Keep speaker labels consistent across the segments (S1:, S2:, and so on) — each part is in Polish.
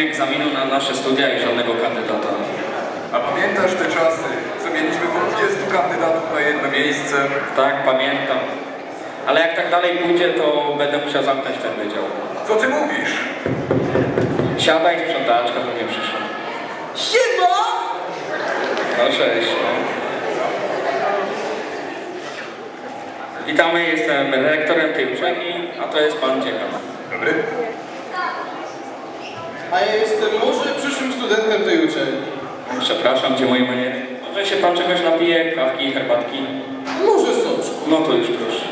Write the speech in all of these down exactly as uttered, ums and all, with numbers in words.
S1: egzaminu na nasze studia i żadnego kandydata.
S2: A pamiętasz te czasy, co mieliśmy po dwudziestu kandydatów na jedno miejsce?
S1: Tak, pamiętam. Ale jak tak dalej pójdzie, to będę musiał zamknąć ten wydział.
S2: Co ty mówisz?
S1: Siadaj, sprzątaczka pewnie przyszła.
S3: Siema!
S1: No cześć, no. Witamy, jestem rektorem tej uczelni, a to jest pan dziekan.
S2: Dobry.
S3: A ja jestem może przyszłym studentem tej uczelni.
S1: Przepraszam, gdzie moje maniery? Może się pan czegoś napije? Kawki, herbatki?
S3: Może soczku.
S1: No to już proszę.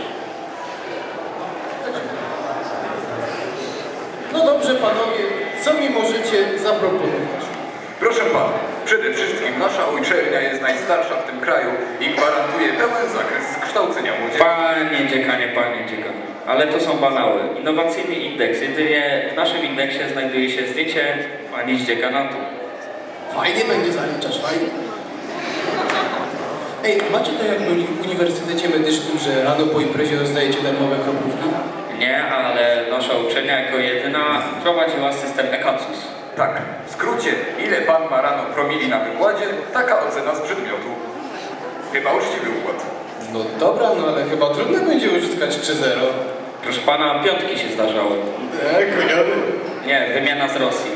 S3: No dobrze panowie, co mi możecie zaproponować?
S2: Proszę pana, przede wszystkim nasza uczelnia jest najstarsza w tym kraju i gwarantuje pełen zakres kształcenia młodzieży.
S1: Panie dziekanie, panie dziekan. Ale to są banały. Innowacyjny indeks. Jedynie w naszym indeksie znajduje się zdjęcie pani z dziekanatu.
S3: Fajnie będzie zaliczasz, fajnie. Ej, macie to jak w Uniwersytecie Medycznym, że rano po imprezie dostajecie darmowe kroplówki?
S1: Nie, ale nasza uczelnia jako jedyna prowadziła system EKACUS.
S2: Tak, w skrócie, ile pan ma rano promili na wykładzie, taka ocena z przedmiotu. Chyba uczciwy układ.
S3: No dobra, no ale chyba trudno będzie uzyskać trzy zero.
S1: Proszę pana, piątki się zdarzały.
S3: Tak, koniony.
S1: Nie, wymiana z Rosji.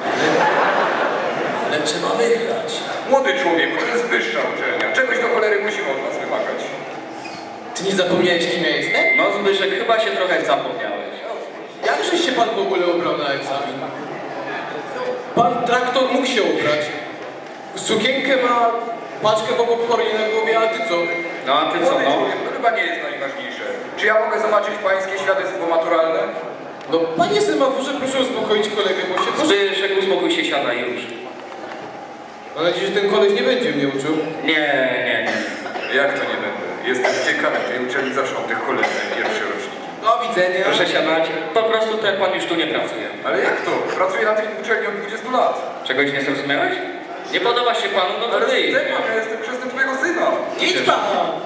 S3: Ale trzeba wygrać.
S2: Młody człowieku, to jest wyższa uczelnia. Czegoś do cholery musimy od nas wymagać.
S3: Ty nie zapomniałeś, kim ja jestem?
S1: No Zbyszek, chyba się trochę zapomniałeś.
S3: Jakżeś się pan w ogóle ubrał na egzamin? Pan traktor mógł się ubrać. Sukienkę ma, paczkę po popcornie na głowie, a ty co?
S1: No a ty co,
S2: Młody
S1: no?
S2: człowiek, to chyba nie jest najważniejsze. Czy ja mogę zobaczyć pańskie świadectwo maturalne?
S3: No panie semaforze, proszę uspokoić kolegę, bo się...
S1: Zbyszek, uspokój się, siadaj już.
S3: Mam nadzieję, że ten koleś nie będzie mnie uczył.
S1: Nie, nie, nie.
S2: Jak to nie będę? Jestem ciekawy tej uczelni, zawsze mam tych kolejnych pierwsze roczniki.
S3: Do widzenia.
S1: Proszę siadać. Po prostu ten pan już tu nie pracuje.
S2: Ale jak to? Pracuję na tej uczelni od dwudziestu lat.
S1: Czegoś nie zrozumiałeś? Nie podoba się panu, no to
S2: Ale
S1: wyjdź.
S2: Stefan, ja jestem chrzestem twojego syna.
S3: Idź pan!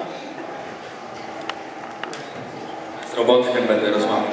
S1: Z roboty tym będę rozmawiał.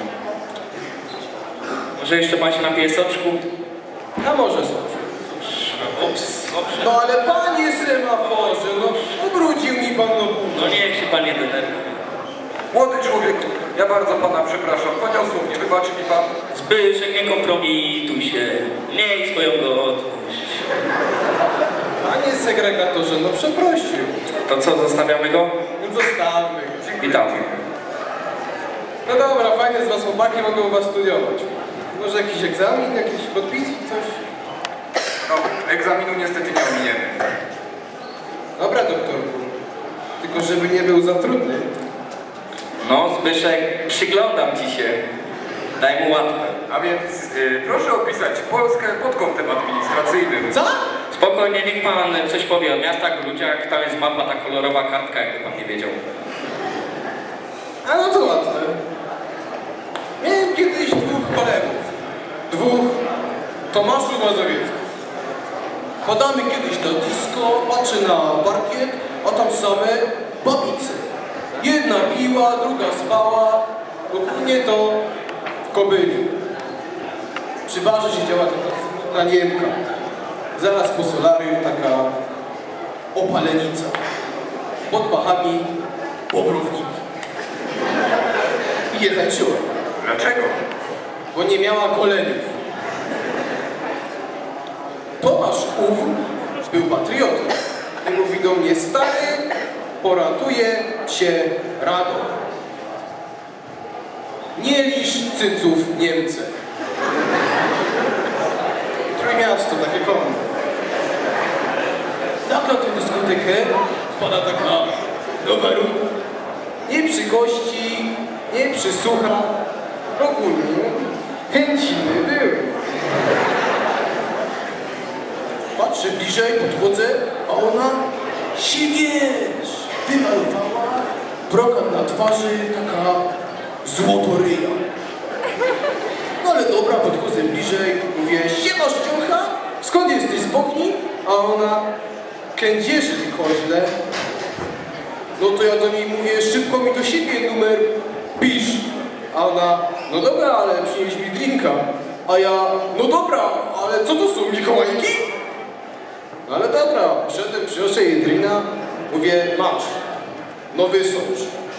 S1: Może jeszcze pan się napije soczku?
S3: A może są.
S1: Ups, dobrze.
S3: No ale panie semaforze, no ubrudził mi pan no budę.
S1: No niech się pan nie denerwuje.
S2: Młody człowieku, ja bardzo pana przepraszam. Poniosło mnie, wybaczy mi pan.
S1: Zbyszek, nie kompromituj się. Miej swoją godność.
S3: Panie segregatorze, no przeprosił.
S1: To co, zostawiamy go?
S3: No zostawmy go.
S1: Witamy.
S3: No dobra, fajne z was chłopaki, mogę u was studiować. Może jakiś egzamin, jakiś podpisik, coś?
S2: No, egzaminu niestety nie ominiemy.
S3: Dobra, doktorku. Tylko żeby nie był za trudny.
S1: No Zbyszek, przyglądam ci się. Daj mu łatwe.
S2: A więc y, proszę opisać Polskę pod kątem administracyjnym.
S3: Co?
S1: Spokojnie, niech pan coś powie o miastach, ludziach. Tam jest mapa, ta kolorowa kartka, jakby pan nie wiedział.
S3: A no to łatwe. Miałem kiedyś dwóch kolegów. Dwóch Tomaszów Mazowieckich. Podamy kiedyś na disco, patrzę na parkiet, a tam same babice. Jedna piła, druga spała, ogólnie to w Kobyli. Przy barze siedziała taka smutna Niemka. Zaraz po solarium taka opalenica. Pod pachami bobrowniki. I nie tańczyła,
S2: Dlaczego?
S3: bo nie miała koleniów. Tomasz ów był patriotą i mówi do mnie: stary, poratuje cię Rado. Nie lisz cyców Niemcy. Trójmiasto, takie koło. Tak na tę dyskotekę wpada taka nowa runda. Nie przy gości, nie przysłucha. Ogólnie chęciny były. Patrzę bliżej, podchodzę, a ona się, wiesz, wymalowała, brokat na twarzy, taka złotoryja. No ale dobra, podchodzę bliżej, mówię: siema szczucha, skąd jesteś z Bochni? A ona: kędzierzy, ty koźle. No to ja do niej mówię: szybko mi do siebie numer pisz. A ona: no dobra, ale przynieś mi drinka. A ja: no dobra, ale ale co to są Mikołajki? No ale dobra, poszedłem, przyniosę jej drina, mówię, masz, no wysącz.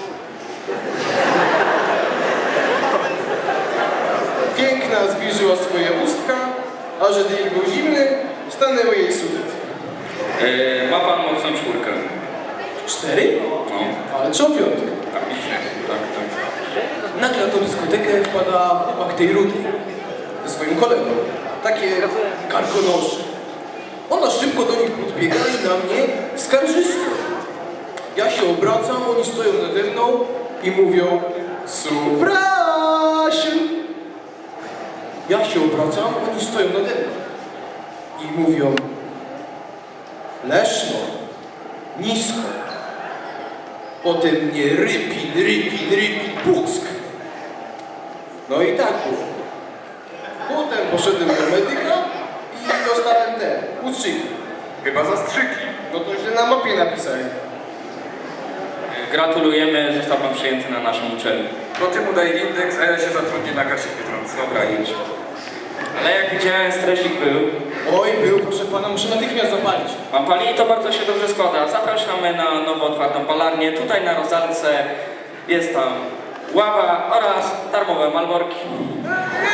S3: Piękna zbliżyła swoje ustka, a że drink był zimny, stanęły jej sudet.
S1: Yy, ma pan mocną czwórkę.
S3: Cztery?
S1: No,
S3: Ale co piątkę?
S1: tak myślę. Tak, tak.
S3: Nagle na tą dyskotekę wpada chłopak tej Rudy ze swoim kolegą. Takie karkonosze. Ona szybko do nich podbiega i na mnie skarżysko. Ja się obracam, oni stoją nade mną i mówią Suprasiu! Ja się obracam, oni stoją nade mną i mówią Leszno, nisko. Potem mnie rypin, rypin, rypin, puck. No i tak było. Potem poszedłem do medyka i dostałem te ustrzyki.
S2: Chyba zastrzyki.
S3: No to źle na mapie napisali.
S1: Yy, Gratulujemy, został pan przyjęty na naszą uczelnię.
S2: To ty mu daj indeks, a ja się zatrudnię na kasie w Biedronce.
S1: Dobra, idź. Ale jak widziałem, stresik był.
S3: Oj, był, proszę pana, muszę natychmiast zapalić.
S1: Pan pali i to bardzo się dobrze składa. Zapraszamy na nowo otwartą palarnię. Tutaj na Rozalce jest tam ława oraz darmowe malborki.